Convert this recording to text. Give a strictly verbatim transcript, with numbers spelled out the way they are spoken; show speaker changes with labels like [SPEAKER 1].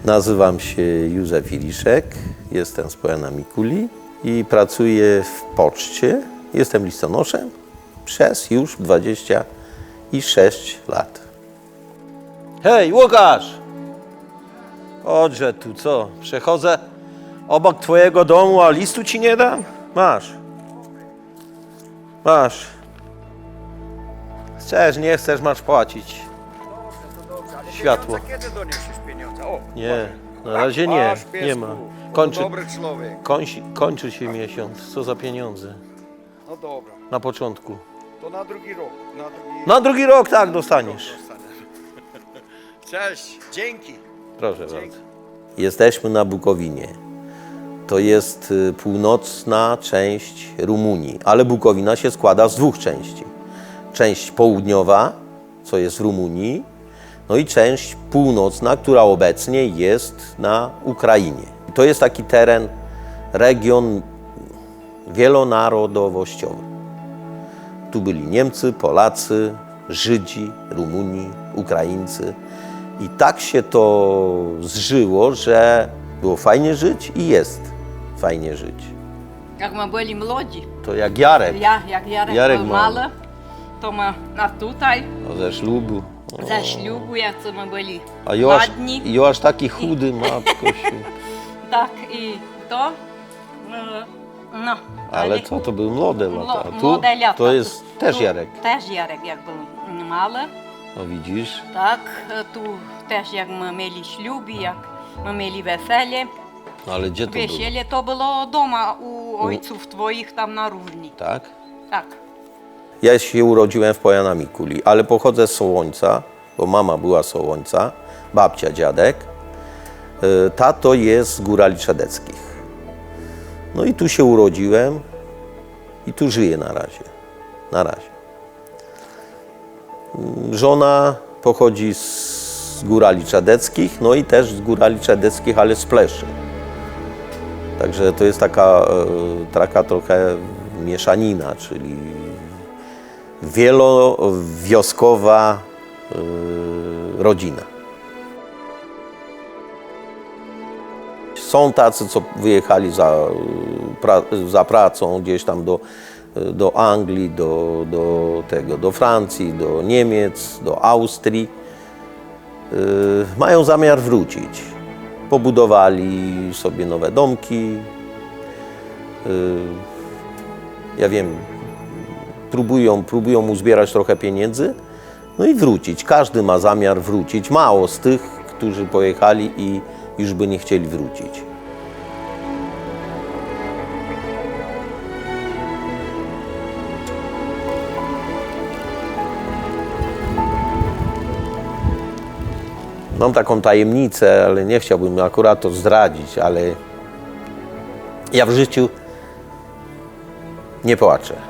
[SPEAKER 1] Nazywam się Józef Iliszek, jestem z Pojana Mikuli i pracuję w poczcie. Jestem listonoszem przez już dwadzieścia sześć lat. Hej, Łukasz! Chodźże tu, co? Przechodzę obok twojego domu, a listu ci nie dam? Masz. Masz. Chcesz, nie chcesz, masz płacić. Światło.
[SPEAKER 2] Kiedy doniesiesz pieniądze? O,
[SPEAKER 1] Nie, na razie nie,
[SPEAKER 2] masz, piesku.
[SPEAKER 1] nie ma. Kończy,
[SPEAKER 2] Dobry człowiek.
[SPEAKER 1] kończy, kończy się miesiąc. Co za pieniądze?
[SPEAKER 2] No dobra,
[SPEAKER 1] Na początku.
[SPEAKER 2] to na drugi rok. Na drugi,
[SPEAKER 1] Na drugi rok tak dostaniesz.
[SPEAKER 2] Cześć, dzięki.
[SPEAKER 1] Proszę bardzo. Jesteśmy na Bukowinie. To jest y, północna część Rumunii, ale Bukowina się składa z dwóch części. Część południowa, co jest w Rumunii, no i część północna, która obecnie jest na Ukrainie. To jest taki teren, region wielonarodowościowy. Tu byli Niemcy, Polacy, Żydzi, Rumuni, Ukraińcy. I tak się to zżyło, że było fajnie żyć i jest fajnie żyć.
[SPEAKER 3] Jak my byli młodzi,
[SPEAKER 1] To jak Jarek,
[SPEAKER 3] ja, jak Jarek,
[SPEAKER 1] Jarek
[SPEAKER 3] był
[SPEAKER 1] mały.
[SPEAKER 3] mały, to my na tutaj,
[SPEAKER 1] no, ze ślubu. O.
[SPEAKER 3] ze ślubu, jak to my byli
[SPEAKER 1] A Joasz,
[SPEAKER 3] ładni,
[SPEAKER 1] Joasz taki chudy, matko się.
[SPEAKER 3] tak i to, e, no.
[SPEAKER 1] Ale co, to były młode lata.
[SPEAKER 3] Mlo-
[SPEAKER 1] Tu
[SPEAKER 3] młode lata.
[SPEAKER 1] to jest też
[SPEAKER 3] Tu
[SPEAKER 1] Jarek.
[SPEAKER 3] Też Jarek, jak był mały,
[SPEAKER 1] No widzisz?
[SPEAKER 3] tak, e, tu też jak my mieli ślubi, jak my mieli wesele.
[SPEAKER 1] Ale gdzie to było?
[SPEAKER 3] Wesele to było doma u ojców twoich tam na równi,
[SPEAKER 1] Tak?
[SPEAKER 3] tak.
[SPEAKER 1] Ja się urodziłem w Pojana Mikuli, ale pochodzę z Sołońca, bo mama była z Sołońca, babcia, dziadek. Y, Tato jest z Górali Czedeckich. No i tu się urodziłem i tu żyję na razie. Na razie. Mm, Żona pochodzi z Górali Czedeckich, no i też z Górali Czedeckich, ale z Pleszy. Także to jest taka, e, taka trochę mieszanina, czyli wielowioskowa y, rodzina. Są tacy, co wyjechali za, pra, za pracą gdzieś tam do, do Anglii, do, do, tego, do Francji, do Niemiec, do Austrii. Y, mają zamiar wrócić. Pobudowali sobie nowe domki. Y, ja wiem, próbują, próbują uzbierać trochę pieniędzy, no i wrócić. Każdy ma zamiar wrócić. Mało z tych, którzy pojechali i już by nie chcieli wrócić. Mam taką tajemnicę, ale nie chciałbym akurat to zdradzić, ale ja w życiu nie płaczę.